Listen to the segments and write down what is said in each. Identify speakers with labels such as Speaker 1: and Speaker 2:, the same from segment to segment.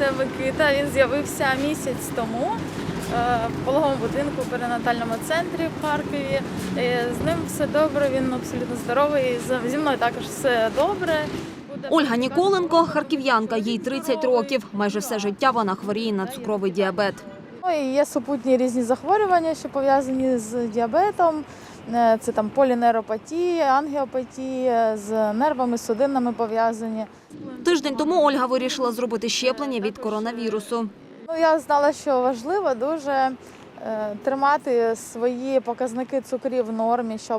Speaker 1: це Микита. Він з'явився місяць тому в пологовому будинку в перинатальному центрі в Харкові. З ним все добре, він абсолютно здоровий. Зі мною також все добре.
Speaker 2: Ольга Ніколенко – харків'янка, їй 30 років. Майже все життя вона хворіє на цукровий діабет.
Speaker 1: Є супутні різні захворювання, що пов'язані з діабетом. Це там полінейропатія, ангіопатія, з нервами, судинами пов'язані.
Speaker 2: Тиждень тому Ольга вирішила зробити щеплення від коронавірусу.
Speaker 1: Я знала, що важливо дуже тримати свої показники цукрів в нормі, щоб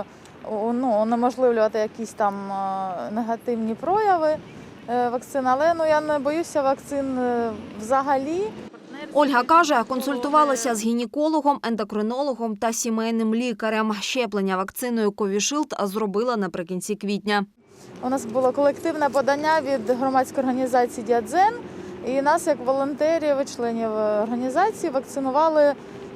Speaker 1: унеможливлювати якісь там негативні прояви вакцин. Але я не боюся вакцин взагалі.
Speaker 2: Ольга каже, консультувалася з гінекологом, ендокринологом та сімейним лікарем. Щеплення вакциною Ковішилд зробила наприкінці квітня.
Speaker 1: У нас було колективне подання від громадської організації «Діадзен». І нас, як волонтерів і членів організації, вакцинували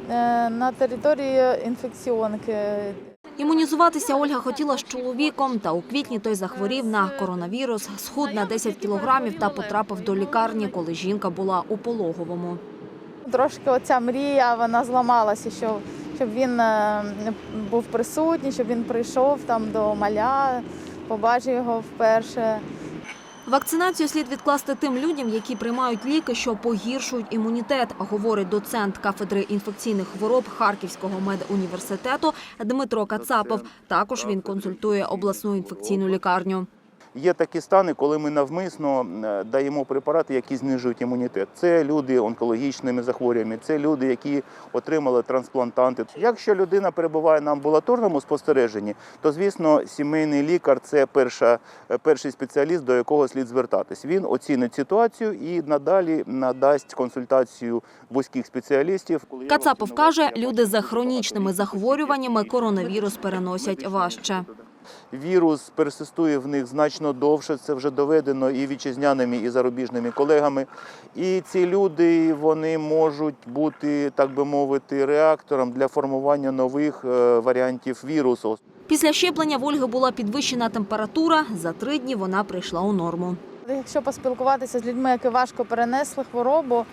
Speaker 1: на території інфекціонки.
Speaker 2: Імунізуватися Ольга хотіла з чоловіком, та у квітні той захворів на коронавірус, схуд на 10 кілограмів та потрапив до лікарні, коли жінка була у пологовому.
Speaker 1: Трошки оця мрія, вона зламалася, щоб він був присутній, щоб він прийшов там до маля, побачив його вперше.
Speaker 2: Вакцинацію слід відкласти тим людям, які приймають ліки, що погіршують імунітет, говорить доцент кафедри інфекційних хвороб Харківського медуніверситету Дмитро Кацапов. Також він консультує обласну інфекційну лікарню.
Speaker 3: Є такі стани, коли ми навмисно даємо препарати, які знижують імунітет. Це люди з онкологічними захворюваннями, це люди, які отримали трансплантанти. Якщо людина перебуває на амбулаторному спостереженні, то, звісно, сімейний лікар – це перший спеціаліст, до якого слід звертатись. Він оцінить ситуацію і надалі надасть консультацію вузьких спеціалістів.
Speaker 2: Кацапов каже, люди з хронічними захворюваннями коронавірус переносять важче.
Speaker 3: Вірус персистує в них значно довше, це вже доведено і вітчизняними, і зарубіжними колегами. І ці люди, вони можуть бути, так би мовити, реактором для формування нових варіантів вірусу.
Speaker 2: Після щеплення в Ольги була підвищена температура, за 3 дні вона прийшла у норму.
Speaker 1: Якщо поспілкуватися з людьми, які важко перенесли хворобу,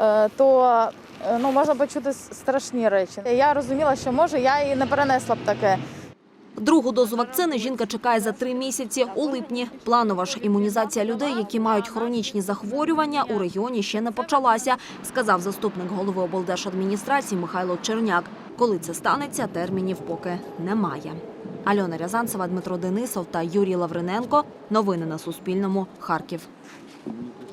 Speaker 1: то можна почути страшні речі. Я розуміла, що може я і не перенесла б таке.
Speaker 2: Другу дозу вакцини жінка чекає за 3 місяці у липні. Планова ж імунізація людей, які мають хронічні захворювання, у регіоні ще не почалася, сказав заступник голови облдержадміністрації Михайло Черняк. Коли це станеться, термінів поки немає. Альона Рязанцева, Дмитро Денисов та Юрій Лавриненко. Новини на Суспільному. Харків.